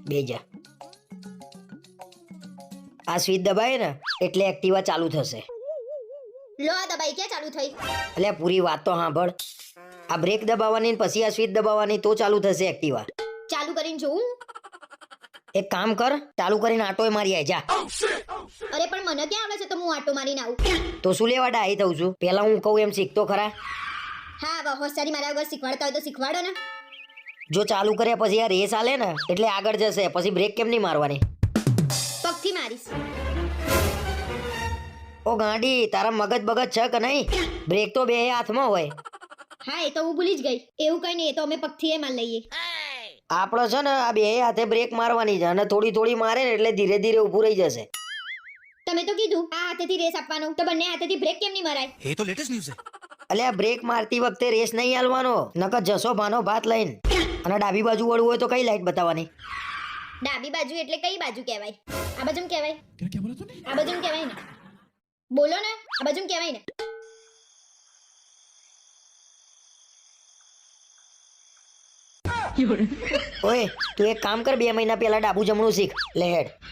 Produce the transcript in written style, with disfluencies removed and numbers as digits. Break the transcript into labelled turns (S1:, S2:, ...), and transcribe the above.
S1: બેજા આ સ્વિચ દબાય ને એટલે એક્ટિવા ચાલુ થશે.
S2: લો આ દબાઈ ક્યાં ચાલુ થઈ?
S1: એટલે પૂરી વાત તો સાંભળ. આ બ્રેક દબાવવાની ને પછી આ સ્વિચ દબાવવાની તો ચાલુ થશે એક્ટિવા.
S2: ચાલુ કરીને જોઉં?
S1: એક કામ કર, ચાલુ કરીને આટોય મારી આય જા.
S2: અરે પણ મને ક્યાં આવડે છે તો હું આટો મારીને આવું?
S1: તો શું લેવા ડાહી થઉં છું? પેલા હું કહું એમ શીખતો ખરા.
S2: હા વાહ હોશિયારી મારા વગર શીખવાડતા હોય તો શીખવાડો ને.
S1: જો ચાલુ કર્યા પછી આ રેસ આલે ને એટલે આગળ જશે, પછી બ્રેક કેમ નહીં મારવાની?
S2: પગથી મારીશ.
S1: ઓ ગાંડી, તારા મગજ બગજ છે કે નહીં? બ્રેક તો બે હાથમાં હોય.
S2: હા એ તો હું ભૂલી જ ગઈ. એવું કઈ નહીં, એ તો અમે પગથી એ માર લઈએ.
S1: આપણે છે ને આ બે હાથે બ્રેક મારવાની છે અને થોડી થોડી મારે ને એટલે ધીરે ધીરે ઊભું રહી જશે.
S2: તમે તો કીધું આ હાથેથી રેસ આપવાનો, તો બંને હાથેથી બ્રેક કેમ નહીં મરાય?
S3: ये तो लेटेस्ट न्यूज़ है।
S1: અલ્યા બ્રેક મારતી વખતે રેસ નહીં હાલવાનો, નકર જશો ભાનો ભાત લઈને. અને ડાબી બાજુ વળવું હોય તો કઈ લાઈટ બતાવવાની?
S2: ડાબી બાજુ એટલે કઈ બાજુ કહેવાય? આ બાજુ કહેવાય?
S3: क्या क्या बोला तूने?
S2: આ બાજુ કહેવાય ને? બોલો ને, આ બાજુ કહેવાય ને?
S1: ઓય તું એક કામ કર, 2 મહિના પહેલા ડાબુ જમણું શીખ લે હેડ.